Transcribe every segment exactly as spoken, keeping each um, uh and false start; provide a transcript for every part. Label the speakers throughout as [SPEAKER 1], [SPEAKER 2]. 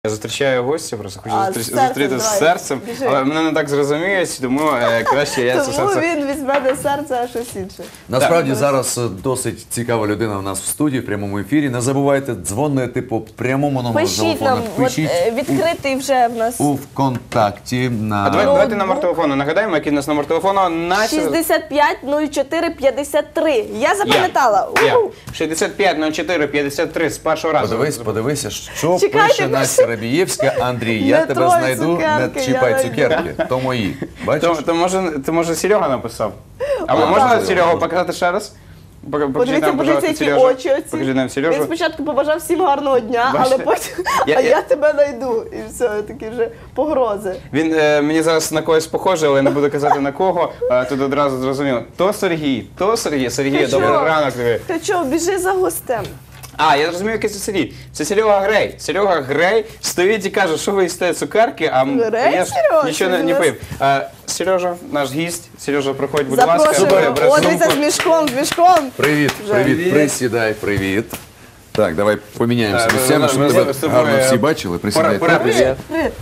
[SPEAKER 1] Я зустрічаю гостя, просто хочу
[SPEAKER 2] А,
[SPEAKER 1] зустріч-
[SPEAKER 2] з серцем,
[SPEAKER 1] зустріти з
[SPEAKER 2] давай,
[SPEAKER 1] серцем,
[SPEAKER 2] біжи.
[SPEAKER 1] але мене не так зрозуміють, тому е, краще я це
[SPEAKER 2] Тому
[SPEAKER 1] серце...
[SPEAKER 2] він візьме не серце, а щось інше.
[SPEAKER 3] Насправді
[SPEAKER 2] Так.
[SPEAKER 3] зараз е, досить цікава людина у нас в студії, в прямому ефірі. Не забувайте дзвонити по прямому номеру
[SPEAKER 2] Пишіть
[SPEAKER 3] телефону.
[SPEAKER 2] нам, от, е, відкритий вже в нас
[SPEAKER 3] у, у ВКонтакті на
[SPEAKER 1] А давай,
[SPEAKER 2] Ну,
[SPEAKER 1] давайте
[SPEAKER 2] ну.
[SPEAKER 1] номер телефону нагадаємо, який у нас номер телефону. На...
[SPEAKER 2] шістдесят п'ять нуль чотири п'ятдесят три. Я запам'ятала.
[SPEAKER 1] Я.
[SPEAKER 2] У-у.
[SPEAKER 1] шістдесят п'ять нуль чотири п'ятдесят три з першого разу.
[SPEAKER 3] Подивись, подивися, що
[SPEAKER 2] Чекайте,
[SPEAKER 3] пише
[SPEAKER 2] пише.
[SPEAKER 3] Настя Рабієвська. Андрій, я
[SPEAKER 2] Не
[SPEAKER 3] тебе
[SPEAKER 2] трой
[SPEAKER 3] знайду,
[SPEAKER 2] цукерки,
[SPEAKER 3] не
[SPEAKER 2] я
[SPEAKER 3] чіпай
[SPEAKER 2] найду.
[SPEAKER 3] цукерки. То мої. Бачиш?
[SPEAKER 1] То, то, може, то може Серега написав? А
[SPEAKER 3] А,
[SPEAKER 1] можна
[SPEAKER 3] так.
[SPEAKER 1] Серегу показати ще раз? Пок- покажи
[SPEAKER 2] Подивіться,
[SPEAKER 1] нам,
[SPEAKER 2] подивіться,
[SPEAKER 1] пожалуйста,
[SPEAKER 2] які
[SPEAKER 1] Сережу.
[SPEAKER 2] очі оці.
[SPEAKER 1] Покажи нам
[SPEAKER 2] Він
[SPEAKER 1] Сережу.
[SPEAKER 2] спочатку побажав всім гарного дня,
[SPEAKER 1] Бачите?
[SPEAKER 2] але потім,
[SPEAKER 1] Я-
[SPEAKER 2] а
[SPEAKER 1] я-
[SPEAKER 2] я тебе знайду. І все, такі вже погрози.
[SPEAKER 1] Він е, мені зараз на когось похожий, але я не буду казати на кого. Е, тут одразу зрозуміло. То Сергій, то Сергій. Сергій,
[SPEAKER 2] Ти
[SPEAKER 1] добрий
[SPEAKER 2] що?
[SPEAKER 1] ранок тобі.
[SPEAKER 2] Ти чого, біжи за гостем.
[SPEAKER 1] А, я розумію, який це Сергій. Це Серега Грей. Серега Грей стоїть і каже, що ви їсте цукерки, а м-
[SPEAKER 2] Грей,
[SPEAKER 1] я ж
[SPEAKER 2] Сережа?
[SPEAKER 1] нічого не,
[SPEAKER 2] Ти
[SPEAKER 1] не
[SPEAKER 2] нас-
[SPEAKER 1] пив. Е, Сережа, наш гість. Сережа, проходь, будь ласка.
[SPEAKER 2] Запрошуємо.
[SPEAKER 1] Бери
[SPEAKER 2] О,
[SPEAKER 1] сумку.
[SPEAKER 2] дивіться, з мішком, з мішком.
[SPEAKER 3] Привіт,
[SPEAKER 2] Вже.
[SPEAKER 3] привіт,
[SPEAKER 1] Привіт.
[SPEAKER 3] присідай, привіт. Так, давай поміняємося
[SPEAKER 1] Е,
[SPEAKER 3] місцями,
[SPEAKER 1] ви-
[SPEAKER 3] щоб
[SPEAKER 1] ви-
[SPEAKER 3] тебе
[SPEAKER 1] ви з тобою,
[SPEAKER 3] гарно
[SPEAKER 1] е,
[SPEAKER 3] всі бачили. Присідай.
[SPEAKER 1] пора- пора-
[SPEAKER 3] тут.
[SPEAKER 1] Привіт.
[SPEAKER 2] Привіт.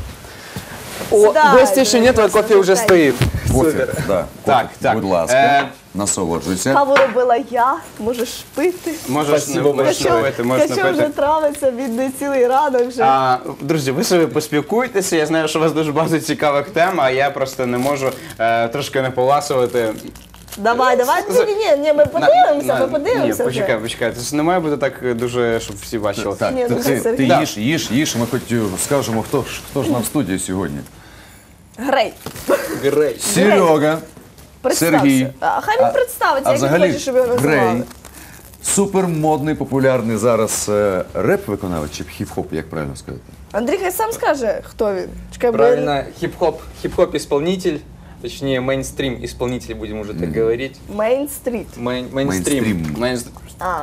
[SPEAKER 4] О,
[SPEAKER 2] Сідай,
[SPEAKER 4] гостя еще нет, а
[SPEAKER 2] Леся,
[SPEAKER 4] кофе уже
[SPEAKER 2] сідай.
[SPEAKER 4] стоит.
[SPEAKER 3] Кофе, да,
[SPEAKER 1] Так,
[SPEAKER 3] кофе,
[SPEAKER 1] так.
[SPEAKER 3] будь ласка,
[SPEAKER 1] Е,
[SPEAKER 3] насолоджуйся.
[SPEAKER 2] Каву робила я, можеш пити.
[SPEAKER 1] Можеш не
[SPEAKER 4] Спасибо
[SPEAKER 1] можеш не
[SPEAKER 2] Качо,
[SPEAKER 1] пити, можеш не
[SPEAKER 2] Качо вже
[SPEAKER 1] пити.
[SPEAKER 2] травиться, він не цілий ранок вже.
[SPEAKER 1] А, друзі, ви собі поспілкуйтеся. Я знаю, що у вас дуже багато цікавих тем, а я просто не можу е, трошки не поласувати.
[SPEAKER 2] Давай, давай, ні, ні, ні, ні, ми подивимося, ми подивимося.
[SPEAKER 1] Ні,
[SPEAKER 2] вже.
[SPEAKER 1] почекай, почекай. Це ж не має бути так дуже, щоб всі бачили.
[SPEAKER 3] Так,
[SPEAKER 2] Ні,
[SPEAKER 3] ти,
[SPEAKER 2] ну,
[SPEAKER 3] ти,
[SPEAKER 2] Сергій.
[SPEAKER 3] ти
[SPEAKER 1] Да.
[SPEAKER 3] їж, їж, їж, ми хоч скажемо, хто, ж- хто ж нам в студії сьогодні.
[SPEAKER 2] Грей,
[SPEAKER 4] Грей.
[SPEAKER 3] Серега,
[SPEAKER 2] представся.
[SPEAKER 3] Сергій.
[SPEAKER 2] А хай він
[SPEAKER 3] А-
[SPEAKER 2] представиться,
[SPEAKER 3] а
[SPEAKER 2] як він
[SPEAKER 3] взагалі
[SPEAKER 2] хоче, щоб його
[SPEAKER 3] Грей,
[SPEAKER 2] називали.
[SPEAKER 3] супермодний, популярний зараз е, реп-виконавець чи хіп-хоп, як правильно сказати?
[SPEAKER 2] Андрій хай сам скаже, хто він. Чекай, бо я-
[SPEAKER 4] Правильно, хип-хоп, хип-хоп исполнитель, точнее мейнстрим исполнитель, будем уже так говорить.
[SPEAKER 2] Мейн-стріт.
[SPEAKER 4] Мейн, мейнстрим.
[SPEAKER 3] Мейнстрім.
[SPEAKER 1] Мене-
[SPEAKER 2] А.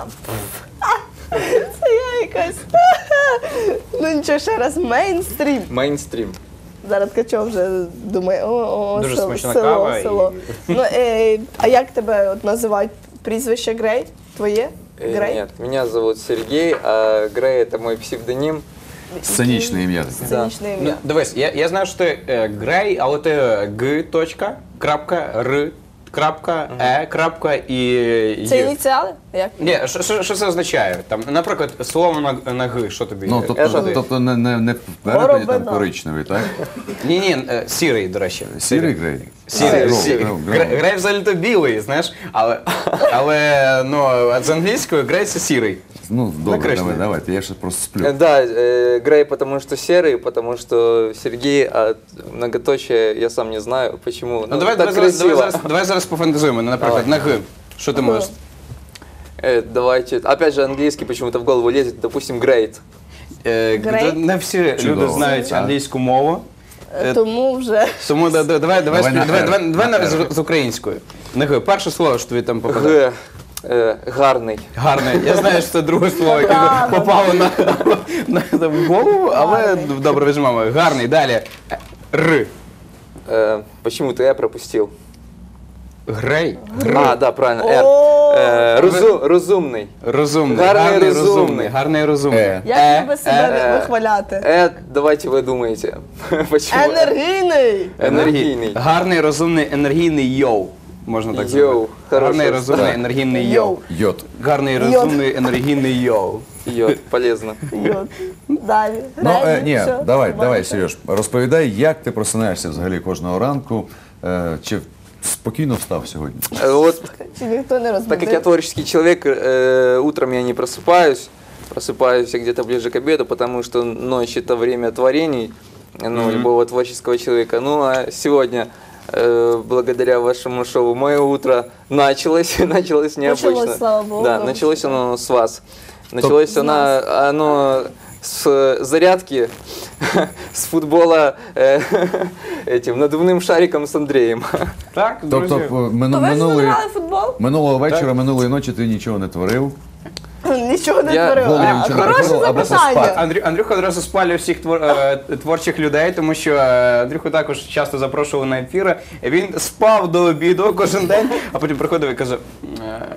[SPEAKER 2] Це я якась. Ну нічого, ще раз, мейнстрім.
[SPEAKER 4] Мейнстрим.
[SPEAKER 2] Зараз Ткачов вже думає, о, о,
[SPEAKER 1] Дуже
[SPEAKER 2] село,
[SPEAKER 1] смачна
[SPEAKER 2] село,
[SPEAKER 1] кава і-
[SPEAKER 2] село. Ну, е, а як тебе от називають прізвище Грей? Твоє?
[SPEAKER 4] Э,
[SPEAKER 2] Грей?
[SPEAKER 4] Нет, меня зовут Сергей, а Грей это мой псевдоним.
[SPEAKER 3] Сценічне ім'я таке.
[SPEAKER 2] Сценічне
[SPEAKER 1] Ну,
[SPEAKER 2] ім'я.
[SPEAKER 1] дивись, я, я знаю, що ти е, Грей, але ти Г. Точка, крапка, Р. Крапка, Е. Крапка і
[SPEAKER 2] Це
[SPEAKER 1] Й.
[SPEAKER 2] ініціали? Як?
[SPEAKER 1] Ні, що, що, що це означає? Там, наприклад, слово на, на Г, що тобі?
[SPEAKER 3] Ну,
[SPEAKER 1] е,
[SPEAKER 3] тобто,
[SPEAKER 1] що ти?
[SPEAKER 3] тобто не, не, не в перекладі там
[SPEAKER 2] Горобина.
[SPEAKER 3] коричневий, так?
[SPEAKER 1] Ні, ні, е, сірий, до речі.
[SPEAKER 3] Сірий грей?
[SPEAKER 1] Сірий,
[SPEAKER 3] А,
[SPEAKER 1] сірий.
[SPEAKER 3] гров, гров,
[SPEAKER 1] Гре-
[SPEAKER 3] гров.
[SPEAKER 1] Грей взагалі-то білий, знаєш, але, але ну, а з англійською грей це сірий.
[SPEAKER 3] Ну, добре,
[SPEAKER 1] Накришний.
[SPEAKER 3] давай, давайте, я ще просто сплю.
[SPEAKER 4] Э, Да, э, Грей потому что серый, потому что Сергей, а многоточие я сам не знаю почему.
[SPEAKER 1] Ну, давай, давай,
[SPEAKER 4] так
[SPEAKER 1] зараз, давай,
[SPEAKER 4] красиво.
[SPEAKER 1] зараз, давай зараз пофантазуємо. Ну, наприклад,
[SPEAKER 4] Давай.
[SPEAKER 1] на Г. Що ти можеш?
[SPEAKER 4] Э, давайте, опять же английский почему-то в голову лезет, допустим, great.
[SPEAKER 1] Е,
[SPEAKER 2] Грей?
[SPEAKER 1] Не всі люди
[SPEAKER 3] Чудово.
[SPEAKER 1] знають
[SPEAKER 3] Так.
[SPEAKER 1] англійську мову.
[SPEAKER 2] Е, Тому вже.
[SPEAKER 1] Тому да- да- давай, давай,
[SPEAKER 3] Давай на
[SPEAKER 1] давай,
[SPEAKER 3] «Р».
[SPEAKER 1] давай, давай
[SPEAKER 3] На
[SPEAKER 1] на-
[SPEAKER 3] «Р».
[SPEAKER 1] з, з українською. На Г. Перше слово, що тобі там попадає.
[SPEAKER 4] Г. Э, гарний.
[SPEAKER 1] Гарне. Я знаю, що це друге слово, яке
[SPEAKER 2] Да,
[SPEAKER 1] попало на, на, на в голову, але
[SPEAKER 2] Гарний.
[SPEAKER 1] добре візьмемо. Гарний. Далі. Р.
[SPEAKER 4] Э, почему-то я пропустил.
[SPEAKER 1] Грей.
[SPEAKER 4] А, да, правильно, R.
[SPEAKER 2] О,
[SPEAKER 4] Э, розу- розумний.
[SPEAKER 1] Розумний.
[SPEAKER 4] Гарний,
[SPEAKER 1] розумний.
[SPEAKER 4] розумний.
[SPEAKER 1] Гарний розумний.
[SPEAKER 3] Е.
[SPEAKER 2] Як
[SPEAKER 1] Е,
[SPEAKER 2] тебе себе
[SPEAKER 4] е,
[SPEAKER 2] вихваляти?
[SPEAKER 4] Э, давайте вы думаете. Почему?
[SPEAKER 2] Енергійний!
[SPEAKER 4] Енергійний.
[SPEAKER 1] Гарний, розумний, енергійний йоу. Можна так
[SPEAKER 4] Йоу.
[SPEAKER 1] сказати.
[SPEAKER 4] Хороше
[SPEAKER 1] Гарний, розумний,
[SPEAKER 4] слово.
[SPEAKER 1] енергійний
[SPEAKER 2] Йоу.
[SPEAKER 1] йоу.
[SPEAKER 3] Йод.
[SPEAKER 1] Гарний,
[SPEAKER 2] Йод.
[SPEAKER 1] розумний, енергійний йоу.
[SPEAKER 4] Йод, полезно.
[SPEAKER 2] Йод. Далі.
[SPEAKER 3] Ну, е,
[SPEAKER 2] Грей,
[SPEAKER 3] ні,
[SPEAKER 2] що?
[SPEAKER 3] давай, давай,
[SPEAKER 2] Бачите?
[SPEAKER 3] Сереж, розповідай, як ти просинаєшся взагалі кожного ранку, е, чи спокійно встав сьогодні?
[SPEAKER 4] Э, Вот,
[SPEAKER 2] Чи ніхто не розбудив?
[SPEAKER 4] так как я творческий человек, э, утром я не просыпаюсь, просыпаюсь я где-то ближе к обеду, потому что ночь это время творений, ну, любого творческого человека. Ну, а сегодня, э, благодаря вашему шоу, мое утро началось, началось необычно.
[SPEAKER 2] Началось, слава богу.
[SPEAKER 4] Да, началось оно с вас. Началось
[SPEAKER 2] С
[SPEAKER 4] оно,
[SPEAKER 2] нас.
[SPEAKER 4] оно с зарядки, с футбола э, этим надувным шариком с Андреем.
[SPEAKER 1] Так, друзі.
[SPEAKER 3] Тобто, мину-
[SPEAKER 2] То ви ж
[SPEAKER 3] минулої,
[SPEAKER 2] грали в футбол?
[SPEAKER 3] минулого вечора, минулої ночі ти нічого не творив.
[SPEAKER 2] Нічого не
[SPEAKER 4] Я-
[SPEAKER 2] творив.
[SPEAKER 3] Голову
[SPEAKER 2] А,
[SPEAKER 3] нічого не
[SPEAKER 2] Хороше
[SPEAKER 3] творив, або
[SPEAKER 2] запитання.
[SPEAKER 3] поспати.
[SPEAKER 1] Андрю, Андрюха одразу спалює всіх твор, е, творчих людей, тому що е, Андрюху також часто запрошували на ефіри. Він спав до обіду кожен день, а потім приходив і каже, е, ну,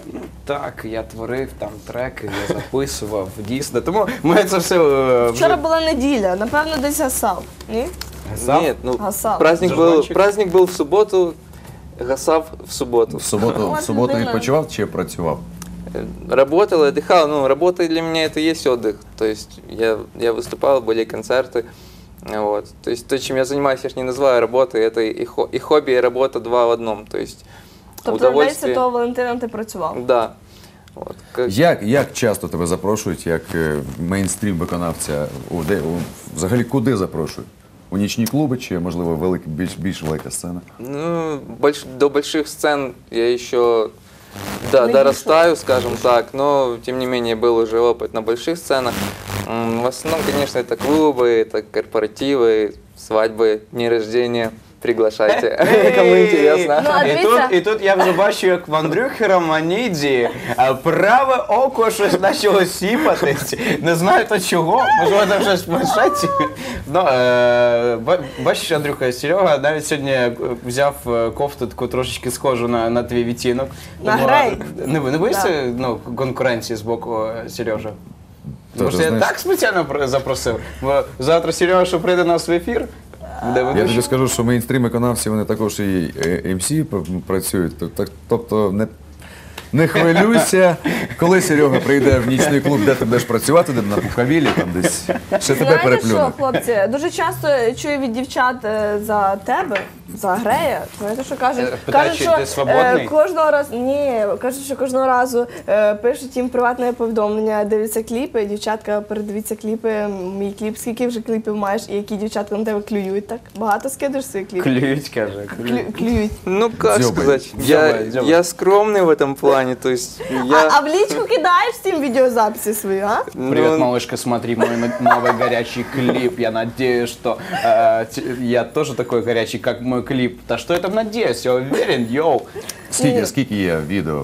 [SPEAKER 1] Так, я творив там треки, я записував, дійсно. Тому ми це все е,
[SPEAKER 2] Вчора
[SPEAKER 1] вже
[SPEAKER 2] була неділя, напевно, десь гасав. Ні?
[SPEAKER 1] гасав.
[SPEAKER 4] Нет, ну
[SPEAKER 2] Гасав.
[SPEAKER 4] праздник был,
[SPEAKER 1] Жаргончик.
[SPEAKER 4] праздник был в субботу, гасав в субботу.
[SPEAKER 3] В суботу, в суботу
[SPEAKER 2] людина.
[SPEAKER 3] відпочивав чи працював?
[SPEAKER 4] Э, Работал, отдыхал. Ну, работа для меня это и есть отдых. То есть я, я выступал, были концерты. Вот. То есть то, чем я занимаюсь, я же не называю работой, это и, хо- и хобби, и работа два в одном. То есть
[SPEAKER 2] Тобто в День
[SPEAKER 4] удовольствие.
[SPEAKER 2] Святого Валентина ти працював?
[SPEAKER 4] Да. Вот. Как-
[SPEAKER 3] Як, як часто тебе запрошують, як е, мейнстрім виконавця? У, де, у, взагалі куди запрошують? У нічні клуби чи, можливо, велик, більш, більш велика сцена?
[SPEAKER 4] Ну, больш- до больших сцен я еще да,
[SPEAKER 2] Не
[SPEAKER 4] дорастаю, скажем так, но тем не менее был уже опыт на больших сценах. М, В основном, конечно, это клубы, это корпоративы, свадьбы, дни рождения. Приглашайте, кому интересно.
[SPEAKER 2] Ну, а
[SPEAKER 1] І
[SPEAKER 2] дивіться-
[SPEAKER 1] тут, і тут я вже бачу, як в Андрюхи Романідзі е, праве око щось почало сіпатись. Не знаю то чого, можливо, там щось в планшеті. Ну, е, ба- бачиш, Андрюха, Серега навіть сьогодні е, взяв е, кофту таку трошечки схожу на, на твій відтінок.
[SPEAKER 2] На
[SPEAKER 1] Тому,
[SPEAKER 2] грей.
[SPEAKER 1] Не, не боїшся ну, конкуренції з боку е, Сережа?
[SPEAKER 3] Тоже,
[SPEAKER 1] Може, я
[SPEAKER 3] знаєш-
[SPEAKER 1] так спеціально про- запросив? Бо завтра Серега, що прийде на свій ефір, буде
[SPEAKER 3] Я тобі
[SPEAKER 1] ведучий.
[SPEAKER 3] скажу, що мейнстрім виконавці, вони також і ем сі працюють. Тоб- так- Тобто не, не хвилюйся, коли Серега прийде в нічний клуб, де ти будеш працювати, де на Пухавілі, там десь ще тебе
[SPEAKER 2] Знаєте
[SPEAKER 3] переплюне.
[SPEAKER 2] що, хлопці, дуже часто чую від дівчат е, за тебе, за Грея. Знаєте, що кажуть?
[SPEAKER 1] Е, питають,
[SPEAKER 2] кажуть,
[SPEAKER 1] чи ти свободний?
[SPEAKER 2] кожного разу, ні, кажуть, що кожного разу е, пишуть їм приватне повідомлення, дивляться кліпи, дівчатка, передивіться кліпи, мій кліп, скільки вже кліпів маєш, і які дівчатка на тебе клюють, так? Багато скидиш свої кліпи?
[SPEAKER 1] Клюють, каже.
[SPEAKER 2] Клю- клюють.
[SPEAKER 4] Ну, как
[SPEAKER 3] Дзёбай.
[SPEAKER 4] сказать, я,
[SPEAKER 1] Дзёбай, дзёбай.
[SPEAKER 4] я скромный в этом плане, то есть
[SPEAKER 2] А,
[SPEAKER 4] я...
[SPEAKER 2] а в лічку кидаєш всім відеозаписи свої, а?
[SPEAKER 1] Привет,
[SPEAKER 4] ну,
[SPEAKER 1] малышка, смотри мой м- новый горячий клип. Я надеюсь, что э, т- я тоже такой горячий, как мой клип. Да что я там надеюсь? Я уверен, йоу.
[SPEAKER 3] Скільки, скільки є відео?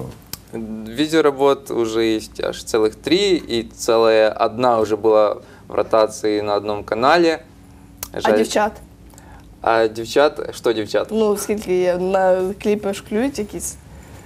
[SPEAKER 4] Видеоработ уже есть аж целых три, и целая одна уже была в ротации на одном канале.
[SPEAKER 2] А
[SPEAKER 4] Жаль.
[SPEAKER 2] дівчат?
[SPEAKER 4] А девчат, что девчат?
[SPEAKER 2] Ну, скільки є на кліпи ж клюють якісь?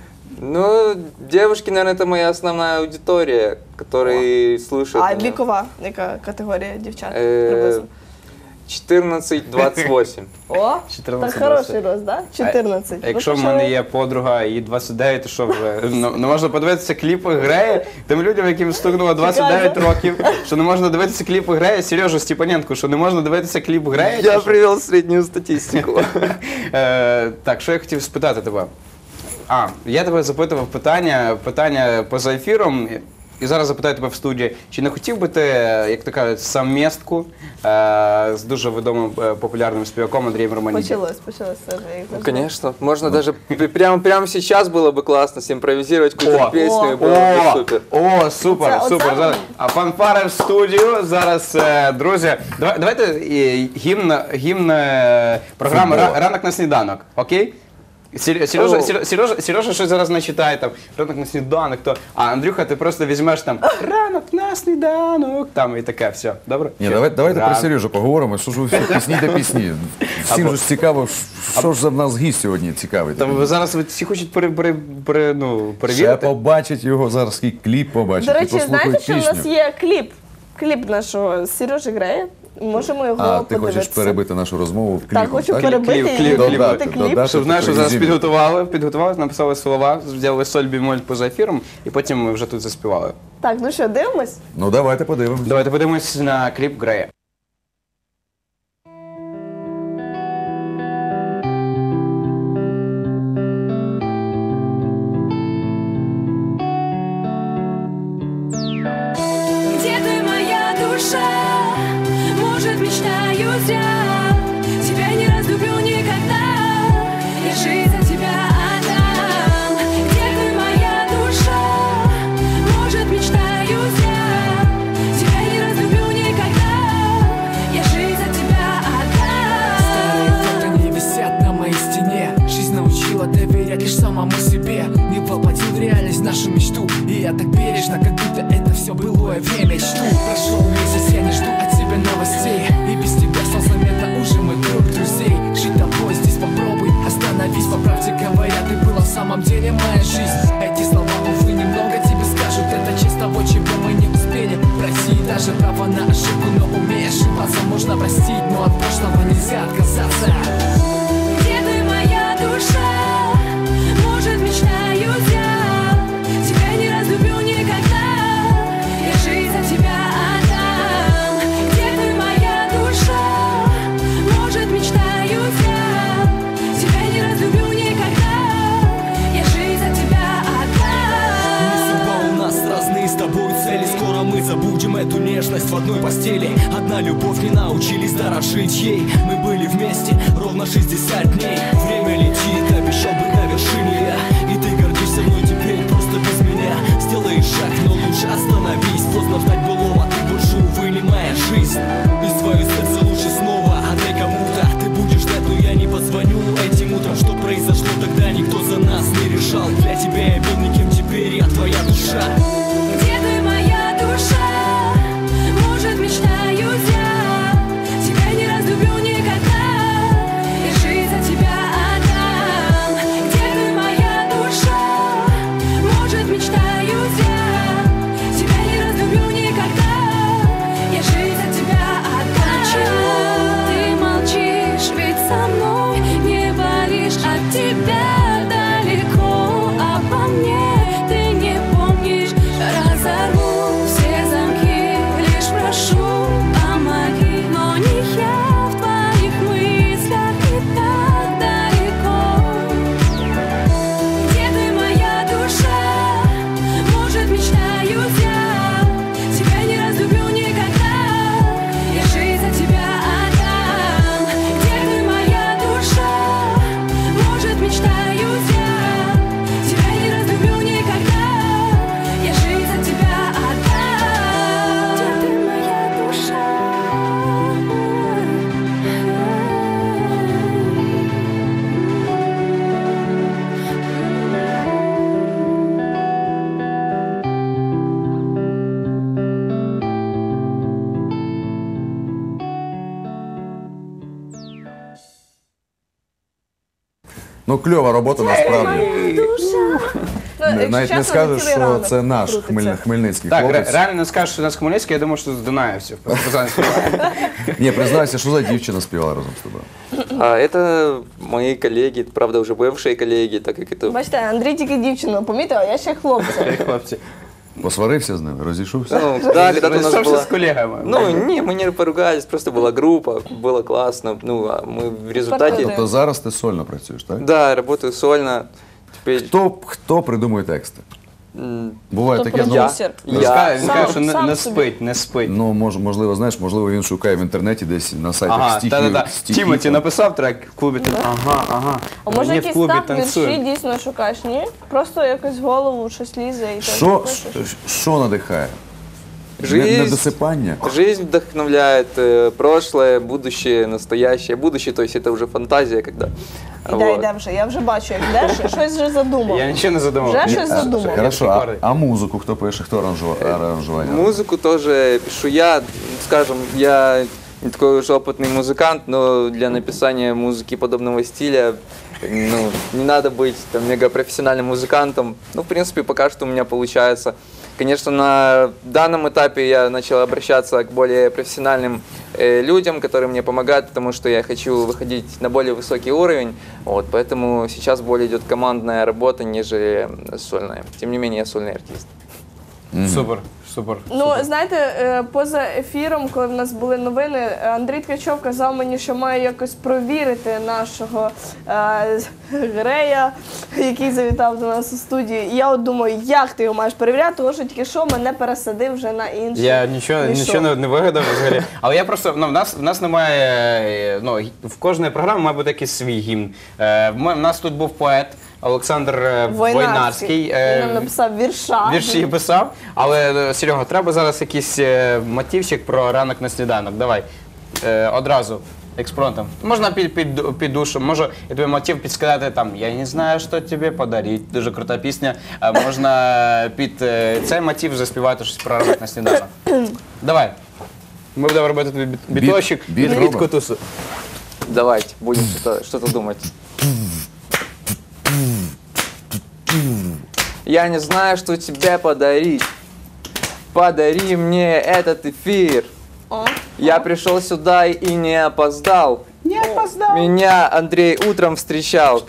[SPEAKER 4] Ну, девушки, наверное, это моя основная аудитория, которые слушают.
[SPEAKER 2] А
[SPEAKER 4] меня.
[SPEAKER 2] вікова, яка категорія дівчат?
[SPEAKER 4] Е,
[SPEAKER 2] Приблизно.
[SPEAKER 4] четырнадцать двадцать восемь.
[SPEAKER 2] О,
[SPEAKER 1] чотирнадцять,
[SPEAKER 2] так хороший
[SPEAKER 1] двадцять.
[SPEAKER 2] рост, да? чотирнадцять.
[SPEAKER 1] А якщо в мене є подруга і двадцять дев'ять, то що вже? Ну, не можна подивитися кліпи Грея тим людям, яким стукнуло двадцять дев'ять років, що не можна дивитися кліпи Грея, Сережу Степаненко, що не можна дивитися кліп Грея. чи
[SPEAKER 4] Я
[SPEAKER 1] що?
[SPEAKER 4] привел среднюю статистику.
[SPEAKER 1] Е, так, що я хотів спитати тебе? А, я тебе запитував питання, питання поза ефіром, і зараз запитаю тебе в студії. Чи не хотів би ти, як то кажуть, саммістку е, з дуже відомим е, популярним співаком Андрієм Романідзе?
[SPEAKER 2] Почалось, почалось це вже. як
[SPEAKER 4] Ну,
[SPEAKER 2] завжди.
[SPEAKER 4] конечно. Можно даже пр- прямо, прямо сейчас было бы классно симпровизировать какую-то
[SPEAKER 1] О,
[SPEAKER 4] песню, и
[SPEAKER 2] о,
[SPEAKER 4] было бы
[SPEAKER 1] О,
[SPEAKER 4] супер.
[SPEAKER 1] о, супер,
[SPEAKER 2] Оце-
[SPEAKER 1] супер.
[SPEAKER 2] оце-
[SPEAKER 1] Зараз- А фанфари в студію. Зараз, е, друзі, давай- давайте е, гімн, гімн е, програми
[SPEAKER 3] Футбол.
[SPEAKER 1] «Ра- «Ранок на сніданок», окей? Сер- Сережа,
[SPEAKER 4] О.
[SPEAKER 1] Сережа, Сережа, Сережа щось зараз начитає там «Ранок на сніданок», то, а Андрюха, ти просто візьмеш там «Ранок на сніданок», там і таке, все, добре?
[SPEAKER 3] Ні,
[SPEAKER 1] Все.
[SPEAKER 3] давай, давайте про
[SPEAKER 1] Ранок.
[SPEAKER 3] Сережу поговоримо. Що ж ви всі пісні та пісні? Всім
[SPEAKER 1] Або-
[SPEAKER 3] ж цікаво, що ж за в нас гість сьогодні цікавий.
[SPEAKER 1] Та ви зараз ви всі хочуть пере, пере, пере, ну,
[SPEAKER 3] Ще
[SPEAKER 1] перевірити.
[SPEAKER 3] побачить його зараз, який кліп побачить,
[SPEAKER 2] До
[SPEAKER 3] і
[SPEAKER 2] речі, знаєте,
[SPEAKER 3] послухають
[SPEAKER 2] що в нас
[SPEAKER 3] пісню.
[SPEAKER 2] є кліп? Кліп нашого Сережі Грея. Можемо його
[SPEAKER 3] А, ти
[SPEAKER 2] подивитися.
[SPEAKER 3] хочеш перебити нашу розмову в кліпі,
[SPEAKER 2] Так, хочу
[SPEAKER 3] так?
[SPEAKER 2] перебити
[SPEAKER 1] Кліп,
[SPEAKER 2] і
[SPEAKER 1] кліп,
[SPEAKER 2] додати
[SPEAKER 3] додати,
[SPEAKER 2] кліп.
[SPEAKER 3] додати.
[SPEAKER 1] Щоб знаєш, що зараз
[SPEAKER 3] Резюме.
[SPEAKER 1] підготували, підготували, написали слова, взяли соль бімоль поза ефіром, і потім ми вже тут заспівали.
[SPEAKER 2] Так, ну що, дивимось?
[SPEAKER 3] Ну давайте подивимось.
[SPEAKER 1] Давайте подивимось на кліп Грея.
[SPEAKER 5] Где ты, моя душа? Может, мечтаю я тебя не разлюблю никогда. Я жизнь за тебя отдам. Где ты, моя душа? Может, мечтаю я тебя не разлюблю никогда. Я жизнь за тебя отдам.
[SPEAKER 6] Старые фото не висят на моей стене. Жизнь научила доверять лишь самому себе. Не воплотил в реальность нашу мечту. И я так бережно, как будто это все былое время. Жду, прошел месяц, я не жду от тебя новостей. И без тебя стал заметным простить, но от прошлого нельзя отказаться.
[SPEAKER 5] Где ты, моя душа? Может, мечтаю я тебя не разлюблю никогда. Я жизнь за тебя отдам. Где ты, моя душа? Может, мечтаю я тебя не разлюблю никогда. Я жизнь за тебя отдам.
[SPEAKER 6] Судьба у нас разные с тобой цели. Скоро мы забудем эту нежность в одной постели. Одна любовь, не научились дорожить ей. Мы были вместе ровно шестьдесят дней. Время летит, обещал быть на вершине я. И ты гордишься мной теперь просто без меня. Сделай шаг, но лучше остановись. Поздно ждать былого, ты больше, увы, не моя жизнь. И свое сердце лучше снова отдай кому-то. Ты будешь ждать, но я не позвоню этим утром. Что произошло тогда, никто за нас не решал. Для тебя я был никем, теперь я твоя душа.
[SPEAKER 5] Где ты, моя душа? Может, мечтаю я тебя не разлюблю никогда. Я жизнь за тебя отдам. Где ты, моя душа? Может, мечтаю я тебя не разлюблю никогда. Я жизнь за тебя отдам. Почему ты молчишь? Ведь со мной не болишь. От тебя далеко, обо мне ты не помнишь. Разорву все замки, лишь прошу, помоги. Но не я в твоих мыслях и так далеко. Где ты, моя душа? Может, мечтаю я тебя не разлюблю никогда. Я жизнь за тебя отдам. Где ты, моя душа? Может, мечтаю я тебя не разлюблю никогда. Я жизнь за тебя отдам. Где ты, моя душа?
[SPEAKER 3] Ну, кльова робота насправді.
[SPEAKER 2] Ну, якщо
[SPEAKER 3] Навіть не
[SPEAKER 2] чесно,
[SPEAKER 3] скажеш,
[SPEAKER 2] цілий
[SPEAKER 3] що
[SPEAKER 2] ранок
[SPEAKER 3] це наш
[SPEAKER 2] крутиться.
[SPEAKER 3] хмель... хмельницький
[SPEAKER 1] Так, ре-
[SPEAKER 3] хлопець.
[SPEAKER 1] реально не скажеш, що у нас Хмельницький, я думаю, що з Дунаєвців. Партизан співає.
[SPEAKER 3] Ні, признайся, що за дівчина співала разом з тобою?
[SPEAKER 4] А это мои коллеги, правда, уже бывшие коллеги, так как это...
[SPEAKER 2] Бачите, Андрій тільки дівчину помітив, а я ще хлопця.
[SPEAKER 1] Хлопці.
[SPEAKER 3] Посварився з ними, розійшовся?
[SPEAKER 4] Ну, да, когда-то у нас
[SPEAKER 1] Розійшовся
[SPEAKER 4] была...
[SPEAKER 1] з колегами.
[SPEAKER 4] Ну, не, мы не поругались, просто была группа, было классно. Ну, а мы в результате...
[SPEAKER 3] Тобто зараз ти сольно працюєш, так?
[SPEAKER 4] Да, работаю сольно. Теперь...
[SPEAKER 3] Хто, хто придумує тексти?
[SPEAKER 4] м,
[SPEAKER 3] Буває
[SPEAKER 2] Хто
[SPEAKER 3] таке, ну,
[SPEAKER 2] продюсер?
[SPEAKER 1] Він
[SPEAKER 4] Я.
[SPEAKER 1] скаже, він
[SPEAKER 2] Сам-
[SPEAKER 1] каже, що не,
[SPEAKER 2] сам
[SPEAKER 1] не
[SPEAKER 2] собі.
[SPEAKER 1] спить, не спить.
[SPEAKER 3] ну мож, можливо, знаєш, можливо, він шукає в інтернеті десь на сайтах
[SPEAKER 1] Ага,
[SPEAKER 3] стихів.
[SPEAKER 1] та-та-та.
[SPEAKER 3] стихів.
[SPEAKER 1] Тімоті написав трек в клубі. тан- Ага, ага.
[SPEAKER 2] А може
[SPEAKER 1] Мені в
[SPEAKER 2] якийсь
[SPEAKER 1] клубі
[SPEAKER 2] так вірші
[SPEAKER 1] танцюють.
[SPEAKER 2] дійсно шукаєш, ні? Просто якось в голову щось лізе і теж
[SPEAKER 3] Що,
[SPEAKER 2] пишеш.
[SPEAKER 3] що надихає?
[SPEAKER 4] Жизнь.
[SPEAKER 3] Недосипання?
[SPEAKER 4] Жизнь вдохновляет, э, прошлое, будущее, настоящее. Будущее, то есть это уже фантазия, когда...
[SPEAKER 2] Іде,
[SPEAKER 4] вот.
[SPEAKER 2] йде вже. Я вже бачу, як йдеш, і щось вже задумав.
[SPEAKER 1] Я нічого не задумав.
[SPEAKER 2] Вже
[SPEAKER 1] Ні,
[SPEAKER 2] щось
[SPEAKER 1] а,
[SPEAKER 2] задумав.
[SPEAKER 3] Хорошо,
[SPEAKER 1] Я
[SPEAKER 3] а,
[SPEAKER 1] такий
[SPEAKER 3] а музику хто пише, хто аранжува- аранжування?
[SPEAKER 4] Музыку тоже пишу я, скажем, я не такой уж опытный музыкант, но для написания музыки подобного стиля ну, не надо быть там, мегапрофессиональным музыкантом. Ну, в принципе, пока что у меня получается. Конечно, на данном этапе я начал обращаться к более профессиональным э, людям, которые мне помогают, потому что я хочу выходить на более высокий уровень. Вот, поэтому сейчас более идет командная работа, нежели сольная. Тем не менее, я сольный артист.
[SPEAKER 1] Супер, супер.
[SPEAKER 2] Ну, знаєте, е, поза ефіром, коли в нас були новини, Андрій Ткачов казав мені, що має якось провірити нашого е, Грея, який завітав до нас у студію. І я от думаю, як ти його маєш перевіряти, тому що тільки що мене пересадив вже на інший.
[SPEAKER 1] Я нічого,
[SPEAKER 2] мішок.
[SPEAKER 1] нічого не, не вигадав взагалі. Але я просто, ну, в нас, в нас немає, е, ну, гі- в кожної програми має бути якийсь свій гімн. Е, в ме- в нас тут був поет Олександр е, Войнарський. е,
[SPEAKER 2] Він нам написав вірша.
[SPEAKER 1] Вірші писав, але е, Серега, треба зараз якийсь е, мотивчик про ранок на сніданок. Давай. Е, одразу. Експромтом. Можна під, під, під душем, можу я тобі мотив підсказати там «Я не знаю, що тобі подарить». Дуже крута пісня. А можна під е, цей мотив заспівати щось про ранок на сніданок. Давай. Ми будемо робити тобі біт-
[SPEAKER 3] Біт-
[SPEAKER 1] біточок
[SPEAKER 3] біт
[SPEAKER 1] від
[SPEAKER 3] робимо?
[SPEAKER 1] Котусу.
[SPEAKER 4] Давайте, будем что-то, что-то думать. Я не знаю, что тебе подарить. Подари мне этот эфир.
[SPEAKER 2] О,
[SPEAKER 4] Я пришел сюда и не опоздал.
[SPEAKER 1] Не опоздав.
[SPEAKER 4] Меня Андрей утром встречал.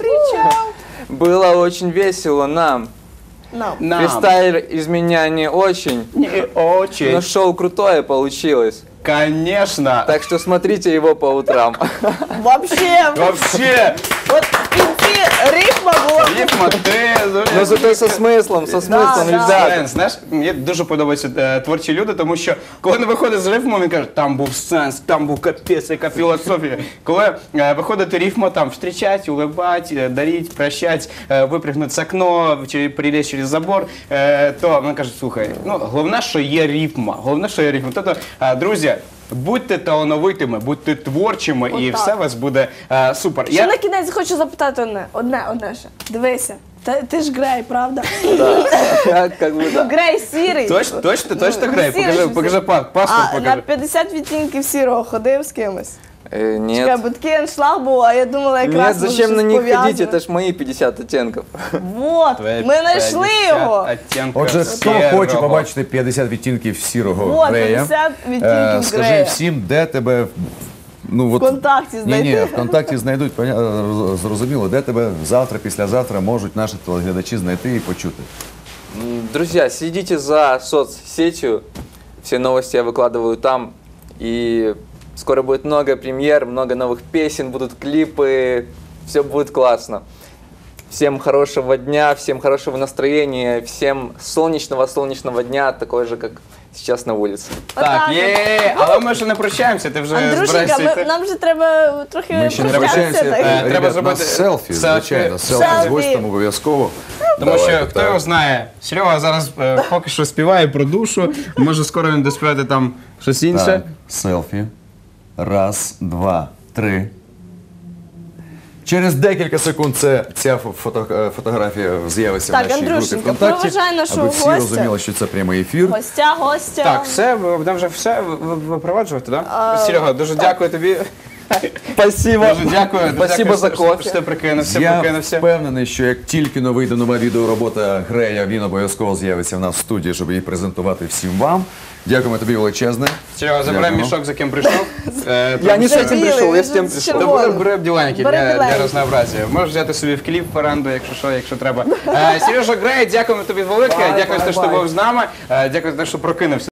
[SPEAKER 4] Было очень весело нам.
[SPEAKER 2] Нам.
[SPEAKER 1] Нам.
[SPEAKER 4] Фристайл из меня не очень,
[SPEAKER 1] Не очень.
[SPEAKER 4] но шоу крутое получилось.
[SPEAKER 1] Конечно.
[SPEAKER 4] Так что смотрите его по утрам.
[SPEAKER 2] Вообще,
[SPEAKER 1] Вообще.
[SPEAKER 2] от в кінці рифма була.
[SPEAKER 1] Рифма, ти...
[SPEAKER 4] Но зато со смыслом, со смыслом,
[SPEAKER 2] да.
[SPEAKER 4] ребята.
[SPEAKER 1] Сенс, знаєш, мені дуже подобаються е, творчі люди, тому що коли вони виходять з рифмом, він каже, там був сенс, там був капець, яка філософія. Коли е, виходить рифма, там встречать, улыбать, е, дарить, прощать, е, випрыгнути з окно, чи перелізти через забор, е, то він каже, слухай, ну головне, що є рифма, головне, що є рифма. Тобто, е, друзі, будьте талановитими, будьте творчими, і
[SPEAKER 2] Отак.
[SPEAKER 1] все у вас буде е, супер.
[SPEAKER 2] Ще на кінець хочу запитати одне, одне, одне ще. Дивися, ти, ти ж Грей, правда?
[SPEAKER 4] Я как бы
[SPEAKER 2] Ну,
[SPEAKER 4] да.
[SPEAKER 2] Грей сірий.
[SPEAKER 1] Точно, точно, точно
[SPEAKER 2] Ну,
[SPEAKER 1] грає?
[SPEAKER 2] сірий
[SPEAKER 1] Покажи,
[SPEAKER 2] ж
[SPEAKER 1] покажи
[SPEAKER 2] всі.
[SPEAKER 1] па- паспорт,
[SPEAKER 2] А на
[SPEAKER 1] покажи.
[SPEAKER 2] п'ятдесят відтінків сірого ходив з кимось?
[SPEAKER 4] Э,
[SPEAKER 2] Чекай,
[SPEAKER 4] Нет.
[SPEAKER 2] бо такий аншлаг був, а я думала, якраз
[SPEAKER 4] Нет,
[SPEAKER 2] може,
[SPEAKER 4] зачем на
[SPEAKER 2] щось
[SPEAKER 4] них ходить?
[SPEAKER 2] пов'язане.
[SPEAKER 4] Это ж мои пятьдесят оттенков.
[SPEAKER 2] Вот, ми знайшли його.
[SPEAKER 3] Отже, хто хоче побачити п'ятдесят відтінків сірого
[SPEAKER 2] Вот,
[SPEAKER 3] Грея,
[SPEAKER 2] п'ятдесят
[SPEAKER 3] е,
[SPEAKER 2] відтінків
[SPEAKER 3] скажи
[SPEAKER 2] Грея.
[SPEAKER 3] всім, де тебе ну, от,
[SPEAKER 2] Вконтакті
[SPEAKER 3] Ні,
[SPEAKER 2] знайти.
[SPEAKER 3] ні, ВКонтакті знайдуть, поня- роз- зрозуміло, де тебе завтра, післязавтра можуть наші телеглядачі знайти і почути.
[SPEAKER 4] М, Друзья, следите за соцсетью. Все новости я выкладываю там. И скоро будет много премьер, много новых песен, будут клипы. Все будет классно. Всем хорошего дня, всем хорошего настроения, всем солнечного-солнечного дня, такой же, как сейчас на улице.
[SPEAKER 1] Так,
[SPEAKER 2] Отак от.
[SPEAKER 1] є, але ми ще не прощаємося, ти вже
[SPEAKER 2] Андрюшенька,
[SPEAKER 1] збираєшся
[SPEAKER 2] ми,
[SPEAKER 1] йти.
[SPEAKER 2] нам же треба трохи
[SPEAKER 3] Ми ще не
[SPEAKER 2] прощатися.
[SPEAKER 3] прощаємося.
[SPEAKER 2] так?
[SPEAKER 1] Е, треба
[SPEAKER 3] Ребят,
[SPEAKER 1] зробити
[SPEAKER 3] нас селфі, звичайно, селфі з
[SPEAKER 2] Селфі.
[SPEAKER 3] гостем обов'язково.
[SPEAKER 1] Тому
[SPEAKER 3] Давайте,
[SPEAKER 1] що хто
[SPEAKER 3] так.
[SPEAKER 1] його знає, Серега зараз е, поки що співає про душу, може скоро він доспівати там щось інше.
[SPEAKER 3] Так, селфі. Раз, два, три. Через декілька секунд це, ця фото, е, фотографія з'явиться
[SPEAKER 2] Так,
[SPEAKER 3] в нашій групі
[SPEAKER 2] Андрюшенька,
[SPEAKER 3] ВКонтакті,
[SPEAKER 2] проважай нашого
[SPEAKER 3] аби всі
[SPEAKER 2] гостя.
[SPEAKER 3] розуміли, що це прямий ефір.
[SPEAKER 2] Гостя, гостя.
[SPEAKER 1] Так, все, ви будемо вже все ви- ви- випроваджувати, так? Серега, дуже дякую тобі.
[SPEAKER 4] Спасибо.
[SPEAKER 1] Дуже дякую.
[SPEAKER 4] Спасибо
[SPEAKER 1] дякую,
[SPEAKER 4] за
[SPEAKER 1] що- що-
[SPEAKER 4] кофе.
[SPEAKER 1] Що ти прикинувся,
[SPEAKER 3] Я
[SPEAKER 1] прикинувся.
[SPEAKER 3] впевнений, що як тільки но вийде нова відеоробота Грея, він обов'язково з'явиться в нас в студії, щоб її презентувати всім вам. Дякуємо тобі величезне.
[SPEAKER 1] Серега, забирай
[SPEAKER 3] Дякуємо.
[SPEAKER 1] мішок, за ким прийшов. Е,
[SPEAKER 4] Я не с
[SPEAKER 1] тому
[SPEAKER 4] этим
[SPEAKER 1] що-
[SPEAKER 2] Білий,
[SPEAKER 4] пришел, я
[SPEAKER 2] він
[SPEAKER 4] с тем
[SPEAKER 2] з
[SPEAKER 4] пришел.
[SPEAKER 2] червоним.
[SPEAKER 1] Добре, бери бділенькі
[SPEAKER 2] Бери
[SPEAKER 1] для, для
[SPEAKER 2] біленький.
[SPEAKER 1] разнообразія. Можеш взяти собі в кліп фаранду, якщо що, якщо треба. Е, Сережа Грей, дякуємо тобі велике. Дякую за те, що ти був з нами. Е, Дякую за те, що прокинувся.